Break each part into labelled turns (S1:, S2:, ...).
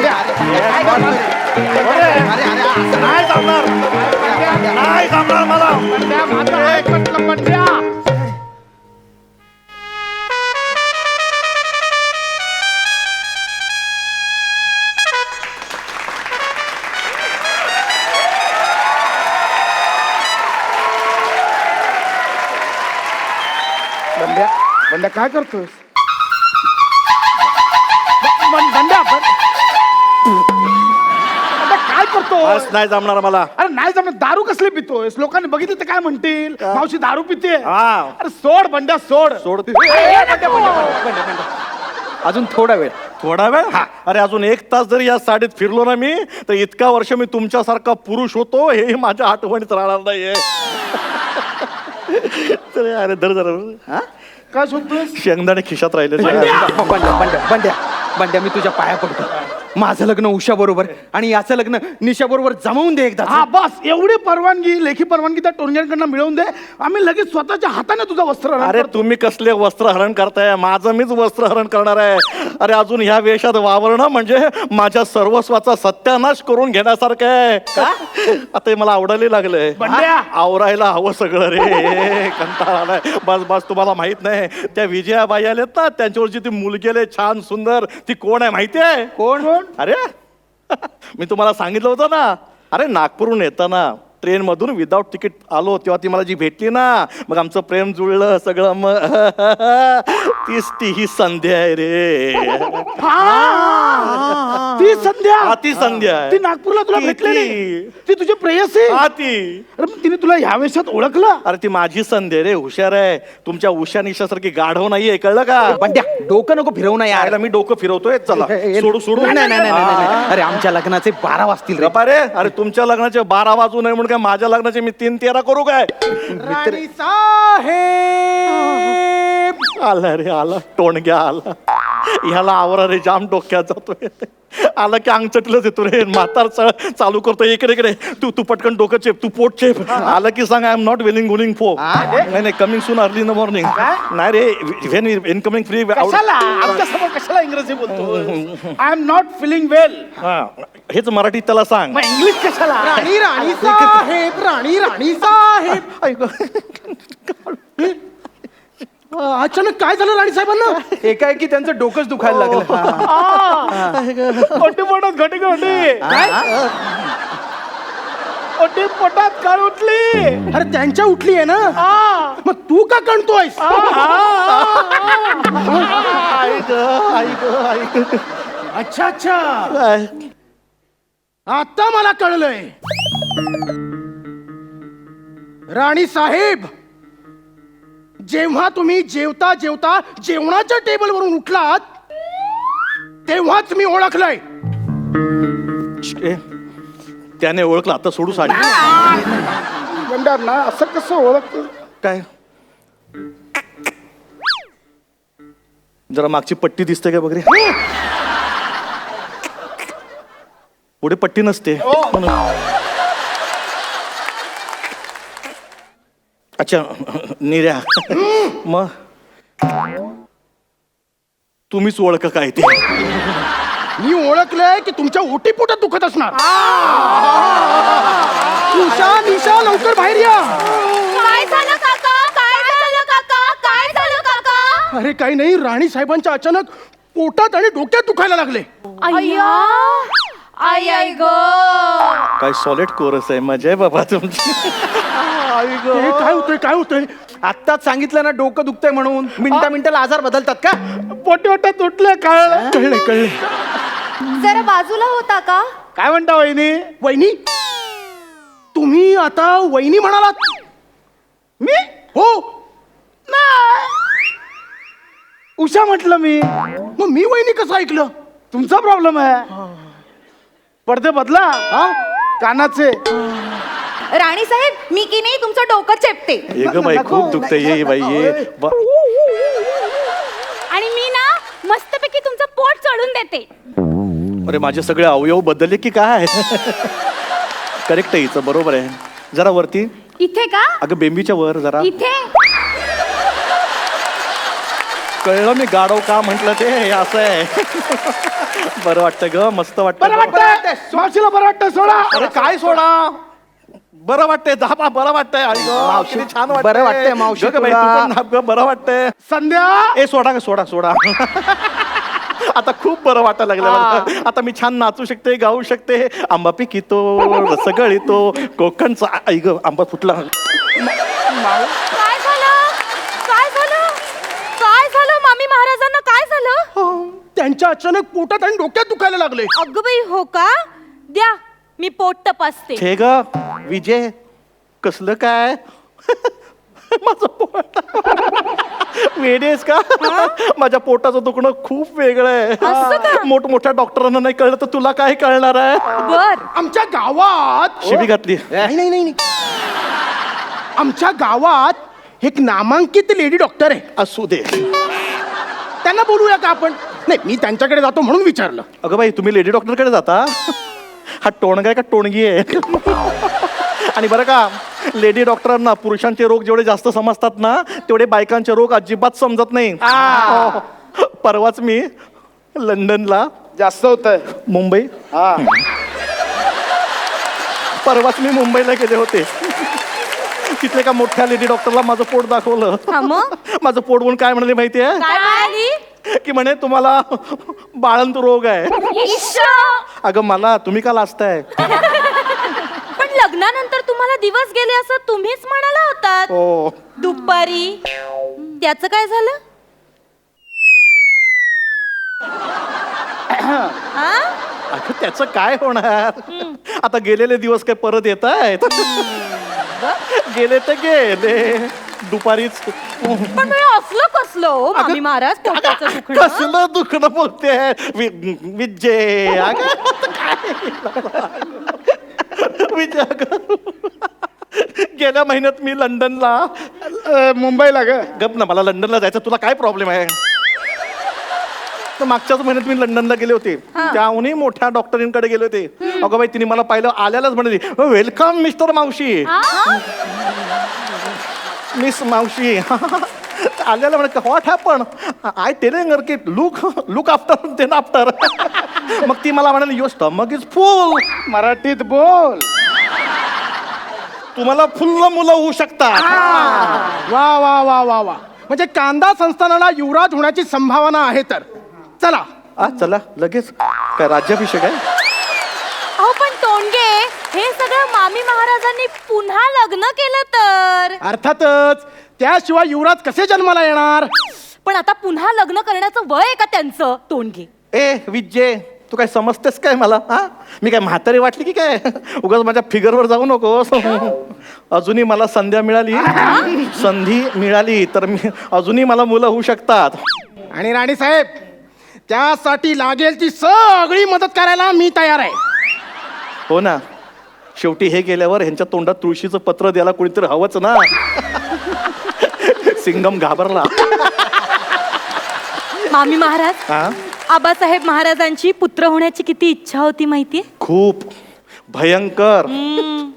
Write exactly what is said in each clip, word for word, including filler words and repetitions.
S1: नाही जमणार नाही जमणार मला
S2: बंड्या बंड्या बंड्या काय करतोस बंड्या काय करतो
S1: नाही जमणार मला.
S2: अरे नाही जमणार. दारू कसली पितोयस लोकांनी बघितलं तर काय म्हणतील मावशी दारू पिते.
S1: हा.
S2: अरे सोड बंड्या सोड
S1: सोड.
S2: ए, बंड्या, बंड्या, बंड्या, बंड्या, बंड्या. अजून थोडा वेळ
S1: थोडा वेळ. अरे अजून एक तास जरी या साडीत फिरलो ना मी तर इतका वर्ष मी तुमच्यासारखा पुरुष होतो हे माझ्या आठवणीत राहणार नाहीये. तर अरे धर जरा
S2: काय शोधतोस
S1: शेंगदाणे खिशात राहिले.
S3: बंड्या बंड्या बंड्या बंड्या मी तुझ्या पाया पडतो. माझं लग्न उषा बरोबर आणि याचं लग्न निशा बरोबर जमवून दे एकदा.
S2: हा बस एवढी परवानगी लेखी परवानगी त्या टोरण्यांकडनं मिळवून दे. आम्ही लगेच स्वतःच्या हाताने तुझा वस्त्र हरण
S1: अरे
S2: करतो.
S1: तुम्ही कसले वस्त्रहरण करताय माझं मीच वस्त्रहरण करणार आहे. अरे अजून ह्या वेशात वावरणं म्हणजे माझ्या सर्वस्वाचा सत्यानाश करून घेण्यासारखं आहे. आता हे मला आवडायला लागलंय.
S2: बंड्या.
S1: आवरायला हवं सगळं रे. कंटाळा आलाय. बस बस तुम्हाला माहित नाही त्या विजयाबाई आलेत ना त्यांच्यावरची ती मुलगी आले छान सुंदर ती कोण आहे माहिती आहे.
S2: कोण कोण
S1: अरे मी तुम्हाला सांगितलं होतं ना. अरे नागपूरहून येताना ट्रेन मधून विदाऊट तिकीट आलो तेव्हा ती मला जी भेटली ना मग आमचं प्रेम जुळलं सगळं. मग तीच ती ही संध्या आहे रे.
S2: ती संध्या
S1: हा, ती संध्या आहे.
S2: ती नागपूरला तुला
S1: ती-
S2: भेटलेली
S1: ती.
S2: ती तुझी प्रेयसी.
S1: हा ती.
S2: अरे मग तिने तुला ह्या वेशात ओळखलं.
S1: अरे ती माझी संध्या रे. हुशार आहे. तुमच्या उषा निशासारखी गाढव नाहीये कळलं का.
S3: बंड्या डोकं नको फिरवू ना यार.
S1: यायला मी डोकं फिरवतोय. चला सोडू सोडू.
S3: नाही नाही नाही नाही, नाही. अरे आमच्या लग्नाचे बारा वाजतील रे.
S1: गप्पा रे. अरे तुमच्या लग्नाचे बारा वाजू नये म्हणून काय माझ्या लग्नाचे मी तीन तेरा करू काय.
S2: राणी साहेब
S1: आला रे आला टोणग्या आला. ह्याला आवरा रे जाम डोक्यात जातोय. आला की अंग चटलंच येतो रे. म्हातार च- चालू करतो इकडे इकडे तू तू पटकन डोकं चेप तू पोट चेप. आला की सांग आय एम नॉट विलिंग गुलिंग फो. नाही नाही coming soon early in the morning. नाही रे व्हेन इनकमिंग फ्री.
S2: कशाला आमच्या समोर कशाला इंग्रजी बोलतो. I am not feeling well.
S1: हेच मराठीत त्याला सांग.
S2: मग इंग्लिश कशाला.
S3: राणी राणी साहेब राणी राणी साहेब.
S2: अचानक काय झालं राणी साहेबांना.
S3: एकाएकी त्यांचं डोकंच दुखायला लागलं.
S2: ओटी पोटात घटी घटी ओटी पोटात कळ उठली. अरे त्यांच्या उठली आहे ना. मग तू का कणतोयस. अच्छा अच्छा आता मला कळलंय. राणी साहेब जेव्हा तुम्ही जेवता जेवता जेवणाच्या टेबलवरून उठलात तेव्हाच मी ओळखलंय.
S1: ए, त्याने ओळखलं आता सोडू साडी.
S2: गंडार ना असं कसं ओळखतो.
S1: काय जरा मागची पट्टी दिसते का बघरे. पुढे पट्टी नसते. अच्छा निर्या मग तुम्हीच ओळख काय ते.
S2: मी ओळखलंय की तुमच्या ओटी पोटात दुखत असणार. उषा निशा लवकर बाहेर या.
S4: काय झालं काका काय झालं काका काय झालं काका.
S2: अरे काही नाही राणी साहेबांच्या अचानक पोटात आणि डोक्यात दुखायला लागले.
S4: अय्या आई आई ग
S1: काय सॉलिड कोरस आहे. मजा आहे बाबा तुमची.
S2: हे काय होतंय काय होतंय.
S3: आत्ताच सांगितलं ना डोकं दुखतंय म्हणून. मिनिटा मिनिटाला आजार बदलतात का.
S2: पोटी पोटात तुटले कळलं कळले कळले.
S4: जरा बाजूला होता का.
S2: काय म्हणता वहिनी. वहिनी तुम्ही आता वहिनी म्हणालात. मी हो नाही उषा म्हटलं मी. मग मी वहिनी कसं ऐकलं. तुमचा प्रॉब्लेम आहे. पडदे बदला हा कानाचे.
S4: राणी साहेब मी की नाही तुमचं डोकं चेपते.
S1: ये ग बाई खूप दुखतंय. ये बाई ये बा-
S4: आणि मी ना मस्तपैकी तुमचं पोट चढून देते.
S1: अरे माझे सगळे अवयव बदलले की काय. करेक्ट आहे हिचं बरोबर आहे. जरा वरती.
S4: इथे का
S1: अगं बेंबीच्या वर जरा.
S4: इथे
S1: कळलं मी गाडव का म्हटलं ते हे असं आहे. बरं वाटतं ग, मस्त वाटतं.
S2: बरं वाटतंय मावशीला बरं वाटतं सोडा.
S1: अरे काय सोडा, बरं वाटतंय दहा बरं वाटतंय. आई गं,
S3: मावशी,
S1: किती छान
S3: बरं वाटतंय मावशी
S1: गं बाई,
S3: तुला.
S1: तू पण नाप गं, बरं वाटतंय.
S2: संध्या
S1: ए सोडा ग, सोडा सोडा. आता खूप बरं वाटायला लागलं मला. आता मी छान नाचू शकते, गाऊ शकते. आंबा पिकितो, रसगळीतो, कोकणचा. आई ग, आंबा फुटला.
S4: काय झालं काय झालं काय झालं मामी महाराजांना काय झालं?
S2: त्यांच्या अचानक पोटात आणि डोक्यात दुखायला लागले.
S4: अगं बाई हो का? द्या मी पोट तपासते.
S1: छे ग विजय, कसलं काय? माझं पोट वेडेस का? माझ्या पोटाचं दुखणं खूप वेगळं
S4: असं का?
S1: आहे. मोठमोठ्या डॉक्टरांना नाही कळलं तर तुला काय कळणार आहे?
S4: बर
S2: आमच्या गावात
S1: शिबी घातली.
S2: नाही नाही नाही नाही. आमच्या गावात एक नामांकित लेडी डॉक्टर आहे.
S1: असू दे.
S2: त्यांना बोलूया का आपण? नाही, मी त्यांच्याकडे जातो म्हणून विचारलं.
S1: अगं बाई, तुम्ही लेडी डॉक्टरकडे जाता? हा टोणगा आहे का टोणगी आहे? आणि बरं का, लेडी डॉक्टरांना पुरुषांचे रोग जेवढे जास्त समजतात ना, तेवढे बायकांचे रोग अजिबात समजत नाही. हो. परवाच मी लंडनला,
S2: जास्त होत आहे.
S1: मुंबई, परवाच मी मुंबईला गेले होते. तिथले का मोठ्या लेडी डॉक्टरला माझं पोट दाखवलं.
S4: हा मग?
S1: माझं पोट बघून काय म्हणाले माहितीये?
S4: काय म्हणाली?
S1: की म्हणे तुम्हाला बाळंत रोग आहे.
S4: इश्श!
S1: अगं मला तुम्ही का लाजताय?
S4: पण लग्नानंतर तुम्हाला दिवस गेले असं तुम्हीच म्हणाला होतात
S1: हो.
S4: दुपारी. त्याचं काय झालं? हा?
S1: अगं त्याचं काय होणार? आता गेलेले दिवस काय परत येत आहेत? गेले तर गेले. दुपारीच
S4: पण मी असलं कसलं हो मामी महाराज पोटाचं दुखणं?
S1: कसलं दुखणं बोलते विजय. अगं विजय, अगं गेल्या महिन्यात मी लंडनला,
S2: अ, मुंबईला ग.
S1: गप ना, मला लंडनला जायचं. तुला काय प्रॉब्लेम आहे? तर मागच्याच महिन्यात मी लंडनला गेले होते. त्याहूनही मोठ्या डॉक्टरींकडे गेले होते. अगं बाई, तिने मला पाहिलं आल्यालाच म्हणाली, वेलकम मिस्टर मावशी. मिस मावशी. आल्याला म्हणे what happen? I telling her की look look after then after. मग ती मला म्हणाली युअर स्टमक इज फुल.
S2: मराठीत बोल.
S1: तुम्हाला फुल्ल मुलं होऊ शकतात.
S2: वा वा वा वा वा. म्हणजे कांदा संस्थानाला युवराज होण्याची संभावना आहे. तर चला.
S1: आ चला लगेच. काय राज्याभिषेक आहे?
S4: अहो पण तोंडगे, हे सगळं मामी महाराजांनी पुन्हा लग्न केलं तर.
S2: अर्थातच. त्याशिवाय युवराज कसे जन्माला येणार?
S4: पण आता पुन्हा लग्न करण्याचं वय आहे का त्यांचं? तोंडगे,
S1: ए विजय, तू काय समजतेस काय मला? हा, मी काय म्हातारी वाटली की काय? उगाच माझ्या फिगरवर जाऊ नको. अजूनही मला संध्या मिळाली, संधी मिळाली तर मी अजूनही मला मुलं होऊ शकतात.
S2: आणि राणी साहेब, त्यासाठी लागेल ती सगळी मदत करायला मी तयार आहे.
S1: हो ना, शेवटी हे गेल्यावर ह्यांच्या तोंडात तुळशीचं पत्र द्यायला कोणीतरी हवंच ना. सिंगम घाबरला.
S4: मामी महाराज,
S1: हा,
S4: आबासाहेब महाराजांची पुत्र होण्याची किती इच्छा होती माहितीये?
S1: खूप भयंकर.
S4: हम्म.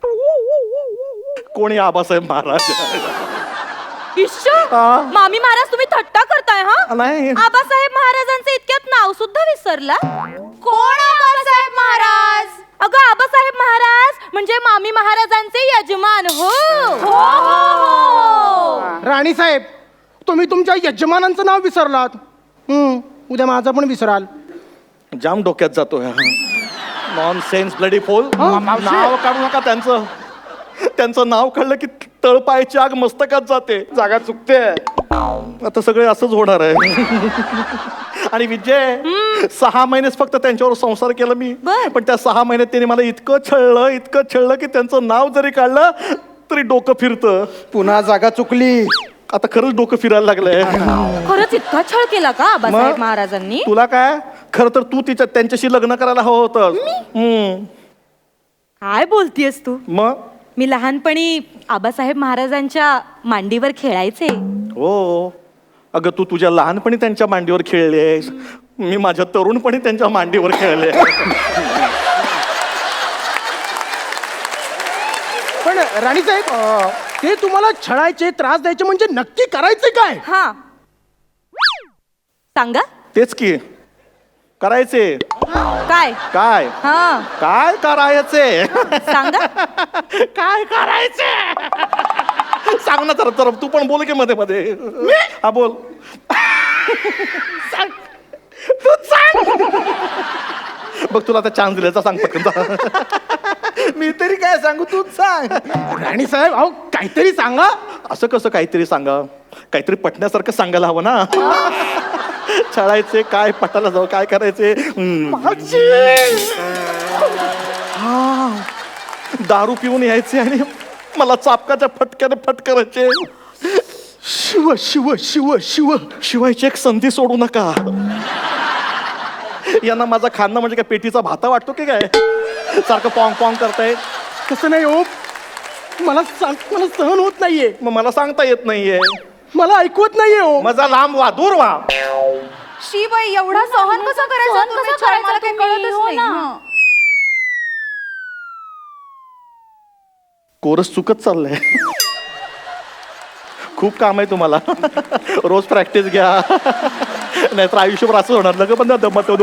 S1: कोणी आबासाहेब महाराज?
S4: इश्श!
S1: हा.
S4: मामी महाराज, तुम्ही थट्टा करताय हा?
S1: नाही.
S4: आबासाहेब महाराजांचं इतक्यात नाव सुद्धा विसरला? कोण आबासाहेब महाराज? अगं, आबासाहेब महाराज म्हणजे मामी महाराजांचे यजमान. हो हो हो.
S2: राणी साहेब, तुम्ही तुमच्या यजमानांचं नाव विसरलात. हम्म, उद्या माझं पण विसराल.
S1: जाम डोक्यात जातो. नॉन सेन्स ब्लडी फोल.
S2: मावशी.
S1: नाव काढू नका त्यांचं. त्यांचं नाव काढलं की तळपायाची आग मस्तकात जाते.
S2: जागा चुकते.
S1: आता सगळे असंच होणार आहे. आणि विजय, सहा महिनेच फक्त त्यांच्यावर संसार केला मी.
S4: बर.
S1: पण त्या सहा महिन्यात त्यांनी मला इतकं छळलं इतकं छळलं की त्यांचं नाव जरी काढलं तरी डोकं फिरतं.
S3: पुन्हा जागा चुकली.
S1: आता खरंच डोकं फिरायला लागलंय.
S4: खरंच इतका छळ केला का आबासाहेब
S1: मग?
S4: महाराजांनी?
S1: तुला काय, खरं तर तू तिच्या त्यांच्याशी लग्न करायला हवं होतं.
S4: काय बोलतीयस तू?
S1: मग
S4: मी लहानपणी आबासाहेब महाराजांच्या मांडीवर खेळायचे.
S1: हो, अगं तू तुझ्या लहानपणी त्यांच्या मांडीवर खेळलेस. मी माझ्या तरुणपणी त्यांच्या मांडीवर खेळले.
S2: पण राणी साहेब, ते तुम्हाला छळायचे, त्रास द्यायचे म्हणजे नक्की करायचे काय?
S4: हा, सांगा.
S1: तेच की करायचे.
S4: काय?
S1: काय
S4: हा
S1: काय करायचे?
S4: सांगा.
S1: काय करायचे? सांग ना तर तर तू पण बोल की मध्ये मध्ये. हा बोल. सांग. तू सांग. बघ तुला आता चान्स दिल्याचा सांग पटकन.
S3: मी तरी काय सांगू तूच सांग.
S2: राणी साहेब अहो काहीतरी सांगा.
S1: असं कसं काहीतरी सांगा? काहीतरी पटण्यासारखं सांगायला हवं ना. छळायचे काय पटायला जाऊ काय करायचे? हम्म. हा दारू पिऊन यायचे आणि मला चापकाच्या फटक्याने फटकारायचे.
S2: शिव शिव शिव शिव
S1: शिवायची एक संधी सोडू नका. यांना माझा खाणं म्हणजे काय पेटीचा भाता वाटतो की काय? सारखं पॉंग पॉंग करताय.
S2: कसं नाही हो मला सांग मला सहन होत नाहीये.
S1: मग मला सांगता येत नाहीये.
S2: मला ऐकवत नाहीये हो.
S1: माझा लांब व्हा दूर व्हा.
S4: शी बाई एवढा सहन कसं करायचं तुम्ही? छळ मला काही कळतच नाही. हं.
S1: कोरस चुकत चाललंय. खूप काम आहे तुम्हाला. रोज प्रॅक्टिस घ्या नाहीतर आयुष्यभर असं होणार. लग पण दमत दो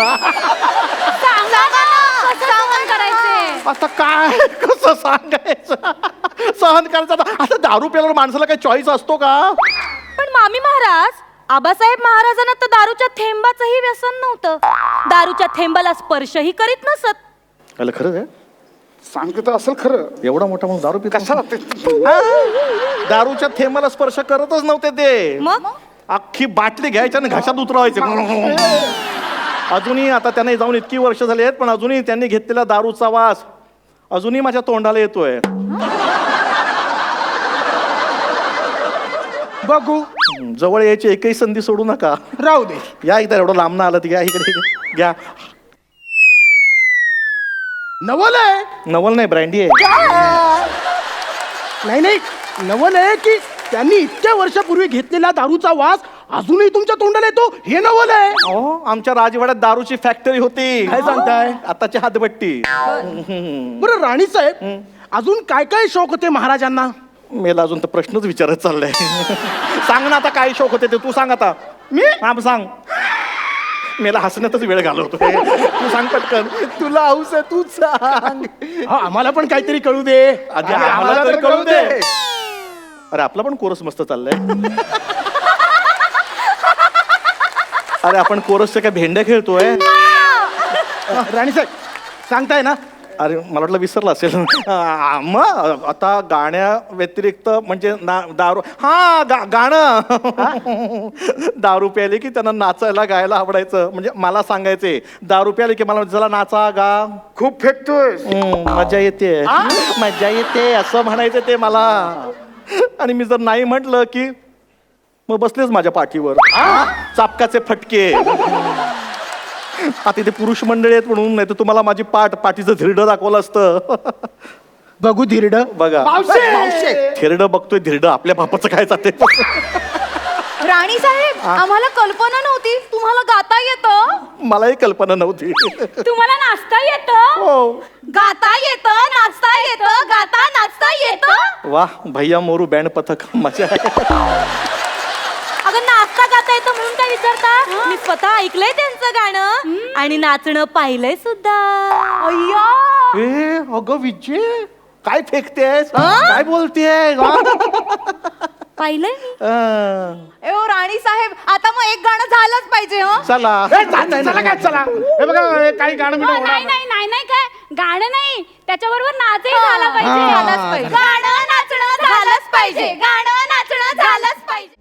S4: सांगा ना, कसं सहन करायचे?
S1: आता काय कसं सांगायचं? सहन करायचं आता आता दारू प्यायला माणसाला काही चॉईस असतो का?
S4: पण मामी महाराज आबासाहेब महाराजांना तर दारूच्या थेंबाचंही व्यसन नव्हतं. दारूच्या थेंबाला स्पर्शही करीत नसत.
S1: अरे खरंच आहे?
S2: सांगत असेल खरं.
S1: एवढा मोठा म्हणून दारू पिता?
S2: कशाला ते?
S1: दारूच्या थेंबाला स्पर्श करतच नव्हते ते.
S4: मग
S1: अख्खी बाटली घ्यायची आणि घशात उतरवायचे. अजूनही आता त्यांना जाऊन इतकी वर्ष झाली आहेत पण अजूनही त्यांनी घेतलेला दारूचा वास अजूनही माझ्या तोंडाला येतोय.
S2: बघू
S1: जवळ यायची एकही संधी सोडू नका.
S2: राहू दे.
S1: या इथं एवढं लांब ना आलं तर घ्या इकडे घ्या.
S2: नवल आहे.
S1: नवल नाही ब्रँडी आहे.
S2: नाही नाही नवल आहे की त्यांनी इतक्या वर्षापूर्वी घेतलेला दारूचा वास अजूनही तुमच्या तोंडाला येतो हे नवल आहे.
S1: हो आमच्या राजवाड्यात दारूची फॅक्टरी होती.
S2: काय सांगताय?
S1: आताची हातभट्टी.
S2: बरं राणी साहेब अजून काय काय शौक होते महाराजांना?
S1: मेला अजून तर प्रश्नच विचारत चाललाय. सांग ना आता काय शौक होते ते तू सांग आता.
S2: मी
S1: हा सांग. मेला हसण्यातच वेळ घालवतो. तू सांग पटकन.
S3: तुला हौस आहे तूच सांग.
S2: हा, आम्हाला पण काहीतरी कळू दे.
S1: आधी आम्हाला तर कळू दे. अरे आपला पण कोरस मस्त चाललाय. अरे आपण कोरसच्या काय भेंड्या खेळतोय?
S2: राणी साहेब सांगताय ना?
S1: अरे मला वाटलं विसरला असेल. आ, मग आता गाण्या व्यतिरिक्त म्हणजे ना दारू हा गा गाणं. दारू प्यायले की त्यांना नाचायला गायला आवडायचं. म्हणजे मला सांगायचे दारू प्यायले की मला जरा नाचा गा.
S2: खूप फेकतोय.
S1: हम्म, मजा येते मजा येते असं म्हणायचं ते मला. आणि मी जर नाही म्हटलं की मग बसलेच माझ्या पाठीवर चापकाचे फटके. आता इथे पुरुष मंडळी आहेत म्हणून नाही तर तुम्हाला माझी पाठ पाठीचं धिरडं दाखवलं असतं.
S2: बघू धिरड.
S1: बघा
S2: मावशे.
S1: धिरडं बघतोय धिरडं आपल्या बापाचं काय जाते.
S4: राणी साहेब आम्हाला कल्पना नव्हती तुम्हाला गाता येतं.
S1: मलाही कल्पना नव्हती.
S4: तुम्हाला नाचता येतं.
S1: हो
S4: गाता येतं नाचता येतं गाता नाचता येतं.
S1: वा भैया मोरू बँड पथक मजा आहे.
S4: अगं नाचता गाता येतं म्हणून काय विचारता? मी स्वतः ऐकलंय त्यांचं गाणं आणि नाचणं पाहिलंय सुद्धा. अय्या
S1: ए अगं विजय काय फेकतेस काय बोलतेस?
S4: पाहिलंय मी.
S1: अं,
S4: ए ओ राणी साहेब आता मग एक गाणं झालंच पाहिजे. हो
S1: चला
S2: ए, चला चला काय चला. हे बघा हे काही गाणं बिणं होणार
S5: नाही
S2: नाही.
S5: नाही नाही नाही काय गाणं नाही त्याच्याबरोबर नाचही झाला पाहिजे.
S4: झालंच पाहिजे. गाणं नाचणं झालंच पाहिजे. गाणं नाचणं झालंच पाहिजे.